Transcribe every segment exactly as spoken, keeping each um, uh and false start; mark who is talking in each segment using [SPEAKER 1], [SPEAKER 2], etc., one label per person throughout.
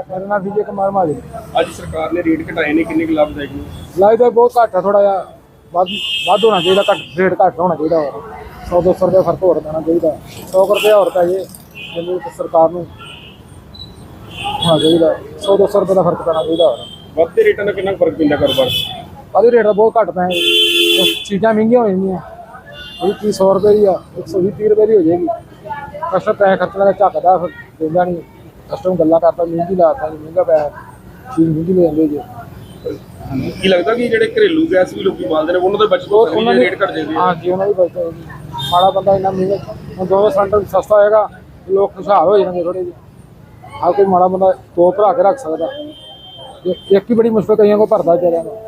[SPEAKER 1] मेरा नाम विजय कुमार माली।
[SPEAKER 2] ਅੱਜ ਸਰਕਾਰ ਨੇ ਰੇਟ ਘਟਾਏ ਨੇ, ਕਿੰਨੇ ਕੁ ਲਾਭਦਾਇਕ ਨੇ?
[SPEAKER 1] लाइट तो बहुत घट है, थोड़ा जा वाद होना चाहिए, घट रेट घट होना चाहिए और सौ दो सौ रुपये फर्क होर देना चाहिए, सौ रुपये होर पै जे जिन्हें सरकार को होना चाहिए, सौ दो सौ रुपये का फर्क पैना चाहिए और
[SPEAKER 2] ਵੱਧਦੇ ਰੇਟਾਂ ਦਾ ਕਿੰਨਾ ਕੁ ਫਰਕ ਪੈਂਦਾ ਕਾਰੋਬਾਰ 'ਚ?
[SPEAKER 1] अभी रेट बहुत घट पै चीज़ा महंगिया हो जाएंगी, भी तीस सौ रुपये की आ एक सौ भी तीह रुपये की हो जाएगी। कस्टमर पैसे खर्चने का झकदा फिर देंदा नहीं, कस्टमर गल्लां करता महंगी लाता जी, महंगा पैसा चीज़ महंगी ले जाते जी।
[SPEAKER 2] ਕੀ ਲੱਗਦਾ ਕਿ ਜਿਹੜੇ ਘਰੇਲੂ ਗੈਸ ਵੀ ਲੋਕੀ ਬਾਲਦੇ ਨੇ ਉਹਨਾਂ ਦਾ ਬਚਤ ਹੋ ਸਕਦੀ ਹੈ, ਰੇਟ ਘਟ ਜਾਂਦੇ
[SPEAKER 1] हाँ जी, उन्होंने भी बचत होगी। माड़ा बंदा इन्ना महंगा हम दो सिलेंडर सस्ता होएगा, लोग खुशहाल हो जाएंगे थोड़े जी। हर कोई माड़ा बंदा दो भरा के रख सकता, एक ही बड़ी मुश्किल कईयों को भरता बेचारियां को।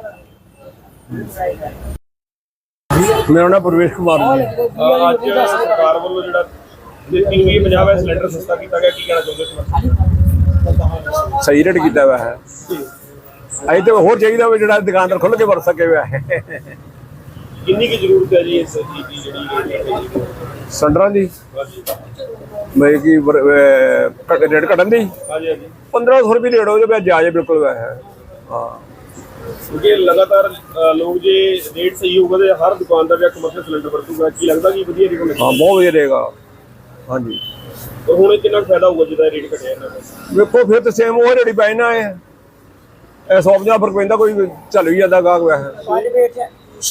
[SPEAKER 3] मेरा नाम प्रवेश कुमार जी।
[SPEAKER 2] ਅੱਜ ਸਰਕਾਰ ਵੱਲੋਂ ਜਿਹੜਾ ਤੀਹ ਪੰਜਾਹ ਦਾ ਸਿਲੰਡਰ ਸਸਤਾ ਕੀਤਾ ਗਿਆ, ਕੀ ਕਹਿਣਾ ਚਾਹੁੰਦੇ
[SPEAKER 3] सही रेट किया हुआ है, अभी तो होर चाहिए भी जो दुकानदार खुल के वर सके हुआ है।
[SPEAKER 2] ਕਿੰਨੀ ਕੀ ਜ਼ਰੂਰਤ ਹੈ ਜੀ ਇਸ ਚੀਜ਼ ਦੀ ਜਿਹੜੀ
[SPEAKER 3] सिलेंडर की भाई की रेट घटन की
[SPEAKER 2] ਹਾਂਜੀ ਹਾਂਜੀ
[SPEAKER 3] पंद्रह सौ रुपये रेट हो जाए जाए बिल्कुल वह है। हाँ,
[SPEAKER 2] ਕਿਉਂਕਿ ਲਗਾਤਾਰ ਲੋਕ ਜੇ ਰੇਟ ਸਹੀ ਹੋਊਗਾ ਤੇ ਹਰ ਦੁਕਾਨਦਾਰ ਜਾਂ ਕਮਰਸ਼ੀਅਲ ਸਿਲੰਡਰ ਵਰਤੂਗਾ। ਕੀ ਲੱਗਦਾ ਕਿ ਵਧੀਆ ਰੇਟ ਹੋਣਾ?
[SPEAKER 3] हाँ बहुत वधिया रहेगा। हाँ जी,
[SPEAKER 2] ਪਰ ਹੁਣ ਕਿੰਨਾ ਫਾਇਦਾ ਹੋਊਗਾ ਜਿਹਦਾ ਰੇਟ ਘਟਿਆ ਇਹਨਾਂ ਦਾ?
[SPEAKER 3] वेखो फिर तो सेम वो रेट पै ना है, सौ पंजाह फर्क पैंदा, कोई चल भी जाता गाहक वैसे।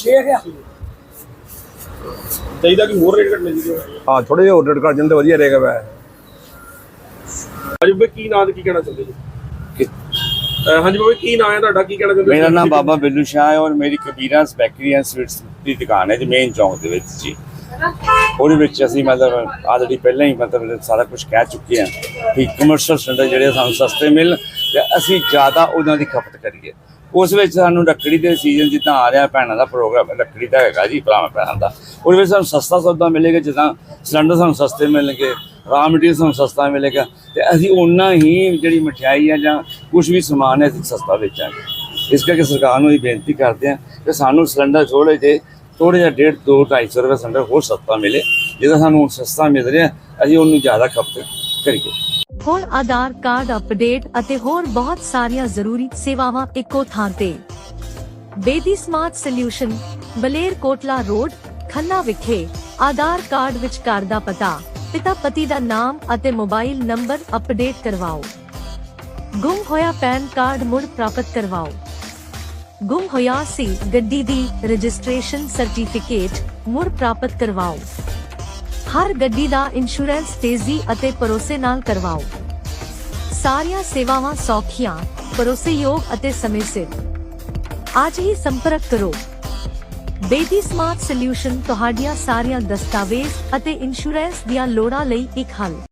[SPEAKER 2] ਚਾਹੀਦਾ ਕਿ ਹੋਰ ਰੇਟ ਘਟਣੇ ਚਾਹੀਦੇ।
[SPEAKER 3] हाँ, थोड़े ਜਿਹੇ ਹੋਰ रेट घट जाते वधिया रहेगा वह।
[SPEAKER 2] ਹਾਂਜੀ ਬਾਬੇ, ਕੀ ਨਾਂ ਤੇ ਕੀ ਕਹਿਣਾ ਚਾਹੁੰਦੇ ਜੀ? ਹਾਂਜੀ ਬਾਬੇ, ਕੀ ਨਾਂ ਹੈ ਤੁਹਾਡਾ, ਕੀ ਕਹਿਣਾ ਚਾਹੁੰਦੇ?
[SPEAKER 4] मेरा नाम बाबा बिल्लू शाह है और मेरी कबीरास बैकरी एंड स्वीट्स की दुकान है जी, मेन चौंक ਦੇ ਵਿੱਚ ਜੀ। ਉਹਦੇ ਵਿੱਚ ਅਸੀਂ ਮਤਲਬ ਆਲਰੇਡੀ ਪਹਿਲਾਂ ਹੀ ਮਤਲਬ ਸਾਰਾ ਕੁਝ ਕਹਿ ਚੁੱਕੇ ਹਾਂ ਕਿ ਕਮਰਸ਼ੀਅਲ ਸਿਲੰਡਰ ਜਿਹੜੇ ਸਾਨੂੰ ਸਸਤੇ ਮਿਲਣ ਤੇ ਅਸੀਂ ਜ਼ਿਆਦਾ ਉਹਨਾਂ ਦੀ ਖਪਤ ਕਰੀਏ। ਉਸ ਵਿੱਚ ਸਾਨੂੰ ਰੱਖੜੀ ਦੇ ਸੀਜ਼ਨ ਜਿੱਦਾਂ ਆ ਰਿਹਾ, ਭੈਣਾਂ ਦਾ ਪ੍ਰੋਗਰਾਮ ਰੱਖੜੀ ਦਾ ਹੈਗਾ ਜੀ, ਭਰਾਵਾਂ ਭੈਣਾਂ ਦਾ, ਉਹਦੇ ਵਿੱਚ ਸਾਨੂੰ ਸਸਤਾ ਸੌਦਾ ਮਿਲੇਗਾ। ਜਿੱਦਾਂ ਸਿਲੰਡਰ ਸਾਨੂੰ ਸਸਤੇ ਮਿਲਣਗੇ, ਰਾ ਮਟੀਰੀਅਲ ਸਾਨੂੰ ਸਸਤਾ ਮਿਲੇਗਾ ਤੇ ਅਸੀਂ ਓਨਾ ਹੀ ਜਿਹੜੀ ਮਠਿਆਈ ਹੈ ਜਾਂ ਕੁਝ ਵੀ ਸਮਾਨ ਹੈ ਅਸੀਂ ਸਸਤਾ ਵੇਚਾਂਗੇ। ਇਸ ਕਰਕੇ ਸਰਕਾਰ ਨੂੰ ਇਹ ਬੇਨਤੀ ਕਰਦੇ ਹਾਂ ਕਿ ਸਾਨੂੰ ਸਿਲੰਡਰ ਥੋੜ੍ਹੇ ਜਿਹੇ ਥੋੜ੍ਹਾ ਜਿਹਾ ਡੇਢ ਦੋ ਢਾਈ ਸੌ ਰੁਪਏ ਸਿਲੰਡਰ ਹੋਰ ਸਸਤਾ ਮਿਲੇ। ਜਿਹਦਾ ਸਾਨੂੰ ਸਸਤਾ ਮਿਲ ਰਿਹਾ ਅਸੀਂ ਉਹਨੂੰ ਜ਼ਿਆਦਾ ਖਪਤ ਕਰੀਏ।
[SPEAKER 5] ਹੋਰ ਆਧਾਰ ਕਾਰਡ ਅਪਡੇਟ ਅਤੇ ਹੋਰ ਬਹੁਤ ਸਾਰੀਆਂ ਜ਼ਰੂਰੀ ਸੇਵਾਵਾਂ ਇੱਕੋ ਥਾਂ ਤੇ। Bedi smart solution, Baler Kotla road, Khanna ਵਿਖੇ। ਆਧਾਰ ਕਾਰਡ ਵਿੱਚ ਘਰ ਦਾ ਪਤਾ, ਪਿਤਾ ਪਤੀ ਦਾ ਨਾਮ ਅਤੇ ਮੋਬਾਈਲ ਨੰਬਰ ਅਪਡੇਟ ਕਰਵਾਓ। ਗੁੰਮ ਹੋਇਆ ਪੈਨ ਕਾਰਡ ਮੁੜ ਪ੍ਰਾਪਤ ਕਰਵਾਓ। ਗੁੰਮ ਹੋਇਆ ਸੀ ਗੱਡੀ ਦੀ ਰਜਿਸਟ੍ਰੇਸ਼ਨ ਸਰਟੀਫਿਕੇਟ ਮੁੜ ਪ੍ਰਾਪਤ ਕਰਵਾਓ। ਹਰ ਗੱਡੀ ਦਾ ਇੰਸ਼ੋਰੈਂਸ ਤੇਜ਼ੀ ਅਤੇ ਭਰੋਸੇ ਨਾਲ ਕਰਵਾਓ। ਸਾਰੀਆਂ ਸੇਵਾਵਾਂ ਸੌਖੀਆਂ, ਭਰੋਸੇਯੋਗ ਅਤੇ ਸਮੇਂ ਸਿਰ। ਅੱਜ ਹੀ ਸੰਪਰਕ ਕਰੋ। ਬੇਦੀ ਸਮਾਰਟ ਸੋਲਿਊਸ਼ਨ ਤੁਹਾਡੀਆਂ ਸਾਰੀਆਂ ਦਸਤਾਵੇਜ਼ ਅਤੇ ਇੰਸ਼ੋਰੈਂਸ ਦੀਆਂ ਲੋੜਾਂ ਲਈ ਇੱਕ ਹੱਲ।